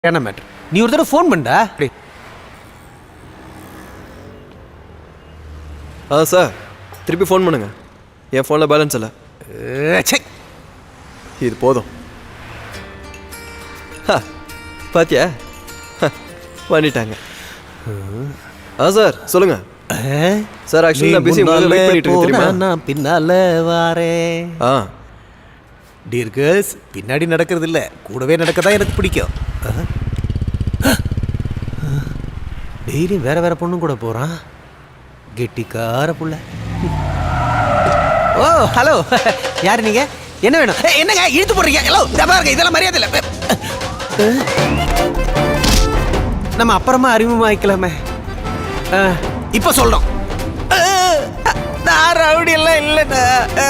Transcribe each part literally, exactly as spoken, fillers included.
என்ன மேட்ரு நீ ஒரு தடவை ஃபோன் பண்ணா ஆ சார் திருப்பி ஃபோன் பண்ணுங்க. என் ஃபோனில் பேலன்ஸ் இல்லை. இது போதும். பாத்தியா பண்ணிட்டாங்க. ஆ சார் சொல்லுங்க சார். ஆக்சுவலி நான் பிஸி வெயிட் பண்ணிட்டு இருக்கேன் தெரியுமா? நான் பின்னால வாரேன். ஆ டியர் கேர்ள்ஸ், பின்னாடி நடக்கிறது இல்லை, கூடவே நடக்க தான் எனக்கு பிடிக்கும். டெய்லியும் வேற வேற பொண்ணும் கூட போகிறான். கெட்டிக்கார புள்ள. ஓ ஹலோ, யார் நீங்கள்? என்ன வேணும்? என்னங்க இழுத்து போடுறீங்க? ஹலோ பாருங்க, இதெல்லாம் மரியாதை இல்லை. நம்ம அப்புறமா அறிமுகமாக்கலாமே. இப்போ சொல்கிறோம். நான் ரவுடி எல்லாம் இல்லைண்ணா.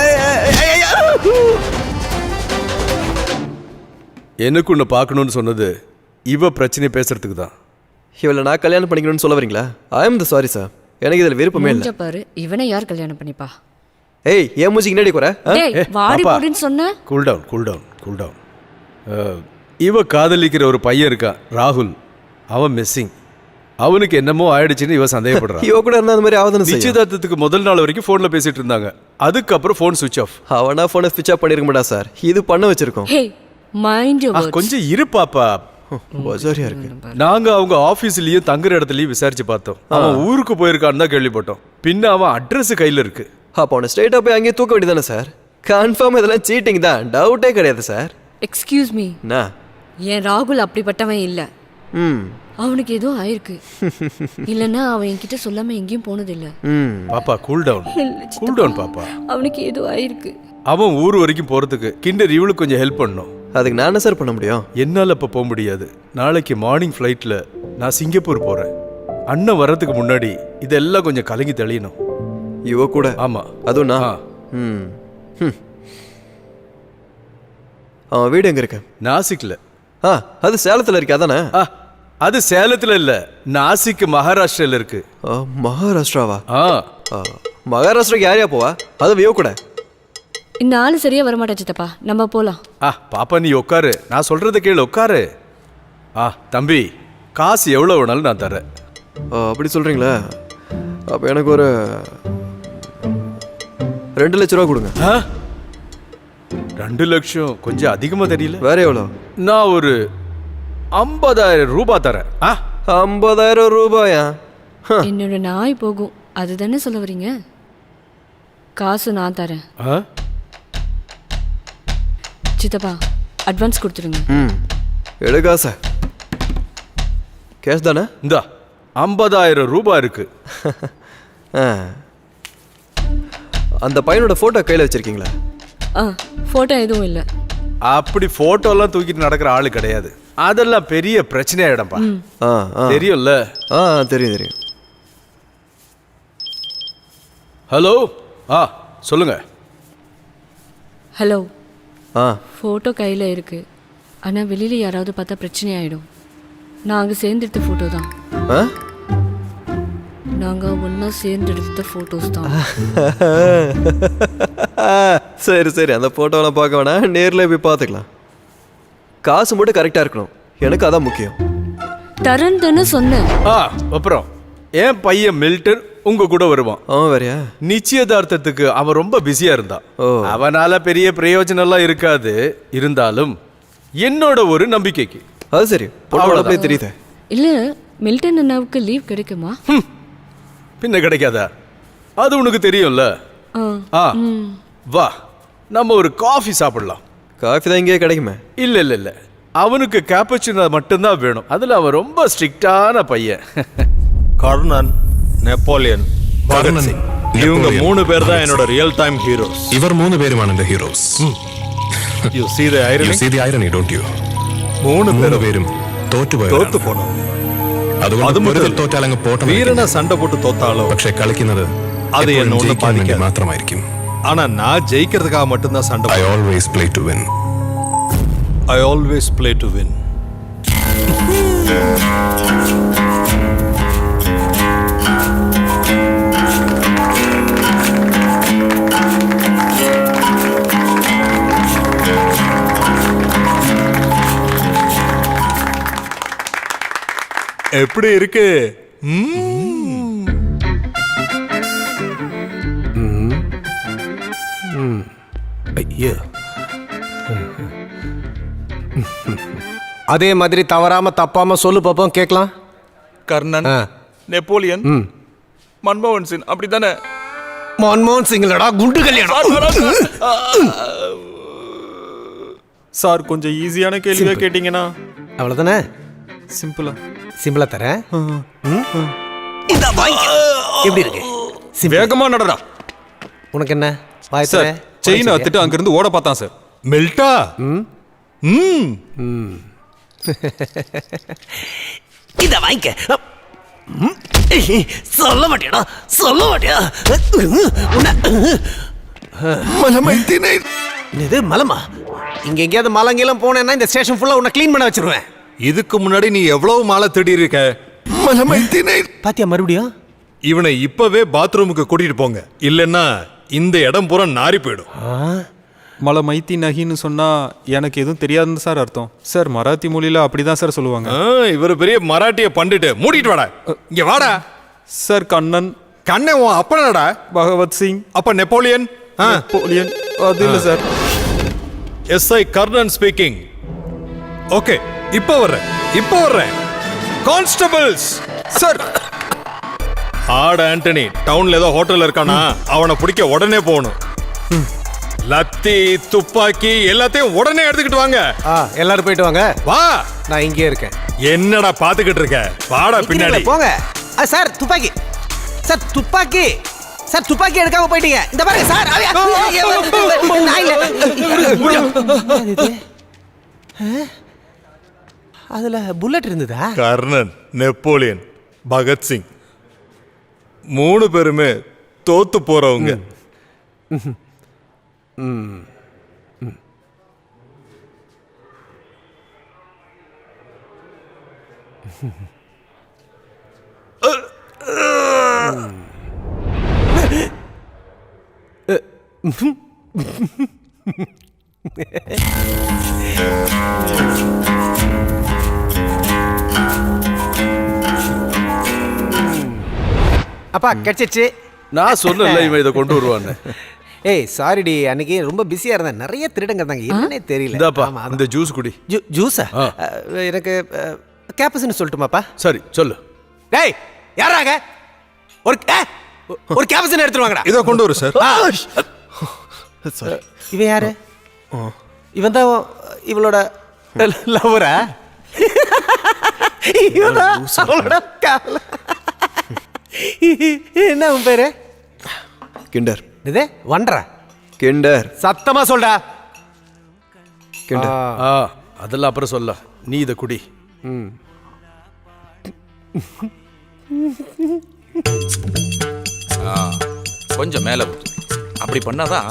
எனக்கு ஒன்று பார்க்கணுன்னு சொன்னது இவ பிரச்சனை பேசுறதுக்கு தான். இவளை நான் கல்யாணம் பண்ணிக்கணும்னு சொல்ல வரீங்களா? I am the sorry sir, எனக்கு இதில் விருப்பமே இல்லை. பாரு, இவனை யார் கல்யாணம் பண்ணிப்பா? ஏய், ஏன் மூஞ்சிக்கு என்னடி குறை? வாடி போடுன்னு சொன்ன. Cool down cool down cool down. இவ காதலிக்கிற ஒரு பையன் இருக்கான், ராகுல். அவன் மிஸ்ஸிங். அவனுக்கு என்னமோ ஆயிடுச்சுன்னு இவ சந்தேகப்படுறான். இவ கூட இருந்தா அந்த மாதிரி ஆகுதுன்னு செய்யும். நிச்சயதார்த்தத்துக்கு முதல் நாள் வரைக்கும் ஃபோன்ல பேசிட்டு இருந்தாங்க. அதுக்கப்புறம் ஃபோன் சுவிட்ச் ஆஃப். அவனா ஃபோனை ஸ்விட்ச் ஆஃப் பண்ணிருக்க மாட்டா சார், இது பண்ண வச்சிருக்கோம். Hey mind your words. கொஞ்சம் இரு பாப்பா. பஜாரியா இருக்கு. நாங்க அவங்க ஆபீஸ்லயும் தங்குற இடத்துலயும் விசாரிச்சு பார்த்தோம். அவன் ஊருக்கு போயிருக்கான்னு தான் கேள்விப்பட்டோம். பின்ன அவன் அட்ரஸ் கையில இருக்கு. அப்போ அவனை ஸ்ட்ரெயிட்டா போய் அங்கேயே தூக்க வேண்டியதானே சார்? கன்ஃபார்ம் இதெல்லாம் சீட்டிங் தான், டவுட்டே கிடையாது சார். எக்ஸ்கியூஸ் மீ, என்ன? ஏன் ராகுல் அப்படிப்பட்டவன் இல்ல. ம் அவனுக்கு ஏதோ ஆயிருக்கு. இல்லன்னா அவன் என்கிட்ட சொல்லாம எங்கேயும் போனது இல்ல. ம் பாப்பா கூல் டவுன் கூல் டவுன் பாப்பா. அவனுக்கு ஏதோ ஆயிருக்கு. அவன் ஊர் வரைக்கும் போறதுக்கு கிண்டர் இவளுக்கு கொஞ்சம் ஹெல்ப் பண்ணும். அதுக்கு நான் என்ன சார் பண்ண முடியும்? என்னால் இப்போ போக முடியாது. நாளைக்கு மார்னிங் ஃப்ளைட்டில் நான் சிங்கப்பூர் போகிறேன். அண்ணன் வர்றதுக்கு முன்னாடி இதெல்லாம் கொஞ்சம் கலங்கி தெளியணும். இவ கூட? ஆமாம். அதுவும் நான். ம் ம் அவன் வீடு எங்கே இருக்கு? நாசிக்கில். ஆ அது சேலத்தில் இருக்கு அதானே? ஆ அது சேலத்தில் இல்லை, நாசிக் மகாராஷ்டிராவில் இருக்கு. மகாராஷ்டிராவா? ஆ மகாராஷ்டிராக்கு யாரையா போவா? அது வியோ கூட. இந்த ஆளு சரியா வரமாட்டா சித்தப்பா, நம்ம போலாம். ஆ பாப்பா நீ உட்காரு, நான் சொல்றத கேளு, உட்காரு. ஆ தம்பி, காசு எவ்வளோ வேணாலும் நான் தரேன். அப்படி சொல்றீங்களா? அப்போ எனக்கு ஒரு ரெண்டு லட்ச ரூபா கொடுங்க. ஆ ரெண்டு லட்சம் கொஞ்சம் அதிகமாக தெரியல. வேற எவ்வளோ? நான் ஒரு ஐம்பதாயிரம் ரூபாய் தரேன். ஆ ஐம்பதாயிரம் ரூபாயா? என்னோட நாய் போகும், அதுதானே சொல்ல வரீங்க? காசு நான் தரேன். ஆ சித்தப்பா அட்வான்ஸ் கொடுத்துருங்க. ம் எடுக்கா சார், கேஷ் தானே? இந்தா ஐம்பதாயிரம் ரூபாய் இருக்கு. அந்த பையனோட ஃபோட்டோ கையில் வச்சிருக்கீங்களா? ஆ ஃபோட்டோ எதுவும் இல்லை. அப்படி ஃபோட்டோலாம் தூக்கிட்டு நடக்கிற ஆளு கிடையாது. அதெல்லாம் பெரிய பிரச்சனையாயிடம்பா. ஆ ஆ தெரியும்ல? ஆ தெரியும் தெரியும். ஹலோ, ஆ சொல்லுங்க. ஹலோ. ஆ ஃபோட்டோ கையில் இருக்கு, ஆனால் வெளியில் யாராவது பார்த்தா பிரச்சனை ஆகிடும். நாங்கள் சேர்ந்தெடுத்த ஃபோட்டோ தான். ஆ நாங்கள் ஒன்றா சேர்ந்தெடுத்த ஃபோட்டோஸ் தான். சரி சரி, அந்த ஃபோட்டோலாம் பார்க்க வேணாம், நேரில் போய் பார்த்துக்கலாம். காசு மட்டும் கரெக்டாக இருக்கணும், எனக்கு அதான் முக்கியம். தரேன் தானே சொன்னேன். ஆ அப்புறம் என் பையன் மில்டன் உங்க கூட வருவான். அவன் வேறையா? நிச்சயதார்த்தத்துக்கு அவன் ரொம்ப பிஸியா இருந்தான். அவனால பெரிய பிரயோஜனம் எல்லாம் இருக்காது. இருந்தாலும் என்னோட ஒரு நம்பிக்கைக்கு. அது சரி, பொண்ணோட தெரியுது. இல்லை, மில்டன் அண்ணாவுக்கு லீவ் கிடைக்குமா? பின்ன கிடைக்காதா? அது உனக்கு தெரியும்ல. ஆ வா, நம்ம ஒரு காஃபி சாப்பிடலாம். காஃபி தான் இங்கே கிடைக்குமே. இல்ல இல்ல இல்ல, அவனுக்கு கேப்பச்சினோ மட்டும்தான் வேணும். அதுல அவன் ரொம்ப ஸ்ட்ரிக்டான பையன். கர்ணன், நெப்போலியன், பகத் சிங், இவங்க மூணு பேர் தான் என்னோட ரியல் டைம் ஹீரோஸ். இவர் மூணு பேருமான இந்த heroes. You see the irony? You see the irony, don't you? மூணு പേരും തോറ്റുപോയി തോത്തു പോണം. അതുകൊണ്ട് വെറുതെ തോറ്റാൽ അങ്ങ് പോട്ടെ. വീരനെ സണ്ട പോട്ട് തോത്താലോ പക്ഷേ കളിക്കുന്നത് അത് എന്നെ ഒന്നും ബാധിക്കാതെ മാത്രമായിരിക്കും. ஆனா நான் ஜெயிக்கிறதுக்காக மட்டும்தான் சண்டை. I always play to win. I always play to win. எப்படி இருக்கு ம்ம். ஐயோ அதே மாதிரி தவறாம தப்பாம சொல்லு பாப்போம் கேட்கலாம். கர்ணன், ஆ. நெப்போலியன், மன்மோகன் சிங் அப்படித்தானே? மன்மோகன் சிங்லடா குண்டு கல்யாணம். சார் கொஞ்சம் ஈஸியான கேள்வியா கேட்டீங்கன்னா அவ்வளோதானே, சிம்பிளா. சிம்பிளா தரேன். இந்த வாங்கி எப்படி இருக்கு? வேகமா நடடா. உனக்கு என்ன வாய் சார் தர? செயின் அத்துட்டு அங்கிருந்து ஓட பார்த்தான் சார். மெல்டா ம் இத வாங்கிக்க. ம். சொல்ல மாட்டியாடா, சொல்ல மாட்டியா? இது மலமா? இங்க எங்கேயாவது மலங்கெல்லாம் போனேன்னா இந்த ஸ்டேஷன் ஃபுல்லா உன்னை க்ளீன் பண்ண வச்சிருவேன். இதுக்கு முன்னாடி நீ எவ்வளவு மாலை தேடி இருக்க. பாத்தியா மறுபடியும்? இவனை இப்பவே பாத்ரூமுக்கு கூட்டிட்டு போங்க, இல்லைன்னா இந்த இடம் பூரா நாரி போயிடும். மலை மைத்தி நகின்னு சொன்னா எனக்கு எதுவும் தெரியாதுன்னு சார் அர்த்தம். சார் மராத்தி மொழியில அப்படிதான் சார் சொல்லுவாங்க. ஆ, இவர் பெரிய மராட்டிய பண்டிட்டு. மூடிட்டு வாடா, இங்க வாடா. சார் கண்ணன், கண்ணே உன் அப்பனடா. பகவத் சிங், அப்ப நெப்போலியன். நெப்போலியன் அது இல்ல sir. SI Karnan speaking. Okay, இப்போ வர்றேன், இப்போ வர்றேன். கான்ஸ்டபிள்ஸ் சார் ஆட் ஆண்டனி டவுன்ல ஏதோ ஹோட்டல் இருக்கானா, அவனை பிடிக்க உடனே போகணும். லத்தி துப்பாக்கி எல்லாத்தையும் உடனே எடுத்துக்கிட்டு வாங்க. ஆ, எல்லாரும் போயிட்டு வாங்க. வா. நான் இங்கே இருக்கேன். என்னடா பாத்துக்கிட்டு இருக்க? வாடா பின்னாடி. போங்க. ஆ, சார் துப்பாக்கி, சார் துப்பாக்கி, சார் துப்பாக்கி எடுக்காம போயிட்டீங்க. இந்த பாருங்க சார். நான் இல்ல. ஆ? அதுல புல்லட் இருந்ததா? கர்ணன், நெப்போலியன், பகத்சிங் மூணு பேருமே தோத்து போறவங்க. அப்பா கிடைச்சிச்சு. நான் சொன்னல இவன் இதை கொண்டு வருவான்னு. ஏய் சாரிடி, அன்னைக்கு ரொம்ப பிஸியா இருந்தேன். நிறைய திருடங்க இருந்தாங்க, என்னன்னே தெரியல. இந்தாப்பா ஆமா, இந்த ஜூஸ் குடி. ஜூ- ஜூஸா? ஆ. அஹ், எனக்கு கேப்பஸ்ன்னு சொல்லட்டுமாப்பா? சரி சொல்லு. டேய் யாராங்க? ஒரு ஏ, ஒரு கேப்பஸ்ன்னு எடுத்துருவாங்கடா. இதோ கொண்டு வரு சார். இவன் யாரு? இவன் தான் இவளோட லவரா? இவன்தான் அவளோட கால. என்ன உன் பேரு? கிண்டர். இது வண்டரா? கிண்டர். சத்தமா சொல்டா. கிண்டர். ஆ அதெல்லாம் அப்புறம் சொல்ல, நீ இதை குடி. கொஞ்சம் மேலே அப்படி பண்ணாதான்